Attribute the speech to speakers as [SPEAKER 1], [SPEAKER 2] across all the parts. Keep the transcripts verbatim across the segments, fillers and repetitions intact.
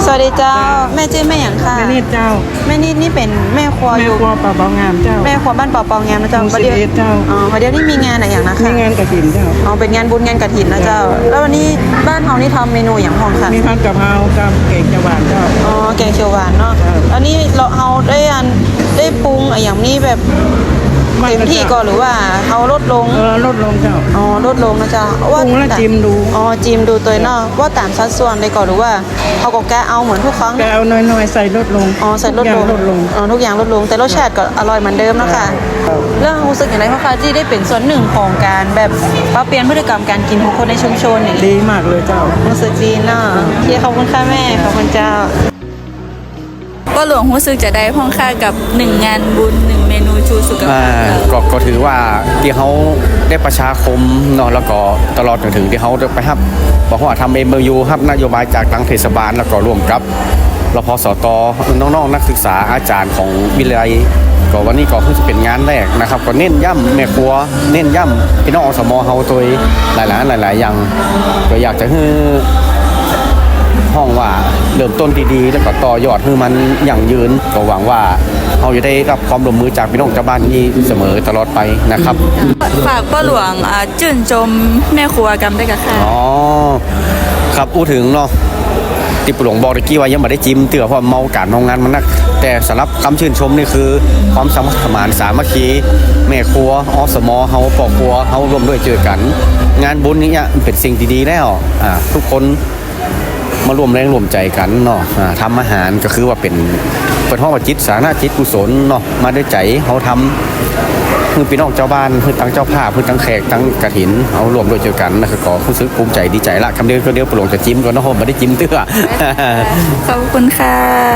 [SPEAKER 1] วัสดีเจ้าแม่ชื่อแม่หยังค่ะ
[SPEAKER 2] แม่นิดเจ้า
[SPEAKER 1] แม่นิดนี่เป็นแม่ครัวอ
[SPEAKER 2] แม่
[SPEAKER 1] ยู่
[SPEAKER 2] ครัวป่าเบางามเจ้า
[SPEAKER 1] แม่ครัวบ้านป่าเปางามนะเจ้า
[SPEAKER 2] หมู่
[SPEAKER 1] ประเดี๋ยว
[SPEAKER 2] สิบเอ็ดเจ้า
[SPEAKER 1] อ๋อประเดี๋ยวนี่มีงานอะไรอย่างนะคะ
[SPEAKER 2] มีงานกฐินเจ้า
[SPEAKER 1] อ๋อเป็นงานบุญงานกฐินนะเจ้าแล้ววันนี้บ้านเฮานี่ทำเมนูอย่างพองค่ะ
[SPEAKER 2] มีพันกะเพรากับเก่งจังหวานเจ้า
[SPEAKER 1] อ๋อแกงเขียวหวานเนาะอันนี้เราเฮาได้อันได้ปรุงอะไรอย่างนี้แบบเต็มที่ก่อนหรือว่าเฮาลดลง
[SPEAKER 2] เออลดลงเจ้า
[SPEAKER 1] อ๋อลดลงนะเจ้า
[SPEAKER 2] ปรุงแล้วจิ้มดู
[SPEAKER 1] อ๋อจิ้มดูตัวเนาะว่าตามสัดส่วนได้ก่อนหรือว่าเฮาก็แกะเอาเหมือนทุกครั้ง
[SPEAKER 2] แกเอาน้อยๆใส่ลดลง
[SPEAKER 1] อ๋อใส่ลดลง
[SPEAKER 2] ลดลง
[SPEAKER 1] อ๋อทุกอย่างลดลงแต่รสชาติก็อร่อยเหมือนเดิมเนาะค่ะเรื่องรู้สึกอย่างไรเพราะค่ะที่ได้เป็นส่วนหนึ่งของการแบบปรับเปลี่ยนพฤติกรรมการกินของคนในชุมชนอย่างนี้
[SPEAKER 2] ดีมากเลยเจ้า
[SPEAKER 1] รู้สึกดีเนาะที่ขอบคุณค่ะแม่ขอบคุณเจ้า
[SPEAKER 3] ก็หลวงรู้สึกจะได้พ่องค่ากับหนึ่งงานบุญหนึ่งเมนูชูสุขภาพ
[SPEAKER 4] ก็ก็ถือว่าที่เขาได้ประชาคมเนาะแล้วก็ตลอดจนถึงที่เขาไปครับบอกว่าทำเอ็มยูครับนโยบายจากทางเทศบาลแล้วก็ร่วมกับรพสตน้องๆนักศึกษาอาจารย์ของวิทยาลัยก็วันนี้ก็เพิ่งจะเป็นงานแรกนะครับก็เน้นย่ำแม่ครัวเน้นย่ำพี่น้องอสมเฮาตัวหลายๆหลายๆอย่างก็อยากจะให้ห้องว่าเริ่มต้นดีๆแล้วก็ต่อยอดให้มันยั่งยืนก็หวังว่าเราจะได้รับความร่วมมือจากพี่น้องชาวบ้านนี้เสมอตลอดไปนะครับ
[SPEAKER 3] ฝากพ่อหลวงจื่นชมแม่ครัวกรรมได้กับค่ะ
[SPEAKER 4] อ๋อครับพูดถึงเนาะที่ปหลวงบอกตะกี้ว่ายังไม่ได้จิ้มเตือเพราะเมาการเมางานมันนักแต่สำหรับคำชื่นชมนี่คือความสามัคคีสามัคคีแม่ครัวอสมเฮาปอครัวเฮาร่วมด้วยเจอกัน งานบุญนี้เป็นสิ่งดีๆแล้วอ่าทุกคนมารวมแรงรวมใจกันเนาะทำอาหารก็คือว่าเป็นเป็นห้องจิตสาธารณจิตกุศลเนาะมาด้วยใจเขาทำคือพี่น้องเจ้าบ้านคือทั้งเจ้าภาพคือทั้งแขกทั้งกฐินเขารวมด้วยเจอกันนะครับก็รู้สึกภูมิใจดีใจละคำเดียวก็เดียวปลงจะจิ้มก็น้องไม่ได้จิ้มเตื้อ
[SPEAKER 3] ขอบคุณค่ะ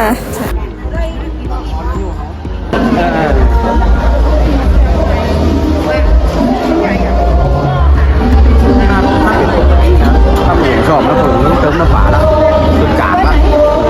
[SPEAKER 4] ชอบแล้วผมเติมน้ำฝาละสุดกาบละ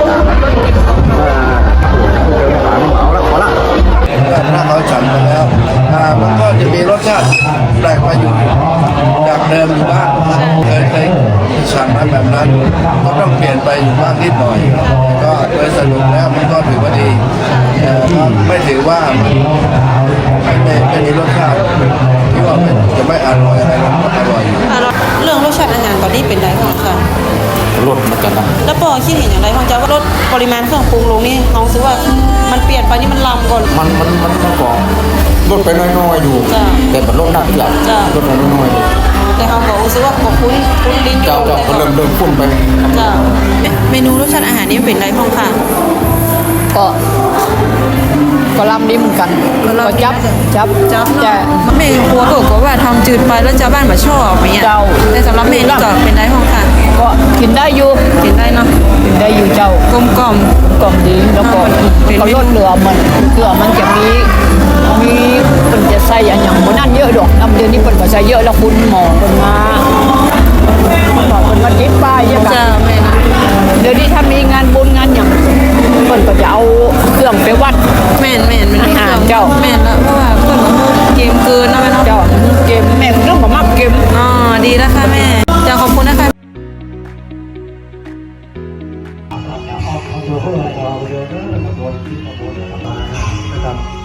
[SPEAKER 5] ถ้าเขาฉันไปแล้วมันก็จะมีรสชาติแปลกไปอยู่จากเดิมอยู่บ้างเคยเคยฉันมาแบบนั้นก็ต้องเปลี่ยนไปอยู่บ้างนิดหน่อยก็โดยสรุปแล้วมันก็ถือว่าดีไม่ถือว่ามันไม่ไม่มีรสชาติที่ว่าจะไม่อร่อยอะไรมันก็อร่อยอยู่
[SPEAKER 1] เรื่องรสชาติอาหารตอนนี้เป็นไรบ้างค่ะ
[SPEAKER 4] ลดมากันนะ
[SPEAKER 1] แล้วปอคิดเห็นอย่างไรของเจ้าว่าลดปริมาณเครื่องปรุงลงนี่น้องซื้อว่ามันเปลี่ยนไปนี่มันลำก่อน
[SPEAKER 4] มันมันมันมันก็ลดไปน้อยๆอยู่แต่มันลดหนักที่หลังลดไปน้อย
[SPEAKER 1] ๆแต่เขาบอกซื้อว่าก็คุ้นคุ้นลิ้น
[SPEAKER 4] เจ้าเจ้าก็เริ่มเริ่มคุ้นไป
[SPEAKER 1] จ้าเมนูรสชาติอาหารนี่เป็นไรบ้างค่ะ
[SPEAKER 6] ก็ก็ลำดีเหมือนกันก็จับจับ
[SPEAKER 1] จับแต่แม่ครัวบอกว่าทำจืดไปแล้วชาวบ้านมาชอบอย่างเงี้ยแต่สำหรับแม่นี่ก็เป็นไรบ้างค่ะ
[SPEAKER 6] ก็กินได้อยู่
[SPEAKER 1] กินได้เนาะ
[SPEAKER 6] กินได้อยู่เจ้าก
[SPEAKER 1] ลมกล่อม
[SPEAKER 6] กล่อมดีแล้วก็เขาลดเหลือมันเกลือมันจะมีมีมันจะใส่อย่างมันนั่นเยอะดอกน้ำเดือนนี้มันก็ใส่เยอะแล้วคุณหมอคนมาหมอคนมาจิ้มป้ายยังไงเดี๋ยวนี้ถ้ามีงานบุญงานอย่างคนก็จะเอาเครื่องไปวัด
[SPEAKER 1] แม่นแม่นมัน
[SPEAKER 6] อาหารเจ้า
[SPEAKER 1] แม่นแล้วเพราะว่าเพิ่นเกมเกินนะแม่เนาะ
[SPEAKER 6] เจ้าเกมแม่เรื่องแบบเกม
[SPEAKER 1] อ๋อดีแล้วค่ะแม่จะขอบคุณนะคะ
[SPEAKER 5] เอาเยอะเอาเยอะเอาเยอะเอาเยอะเอาเยอะนะครับ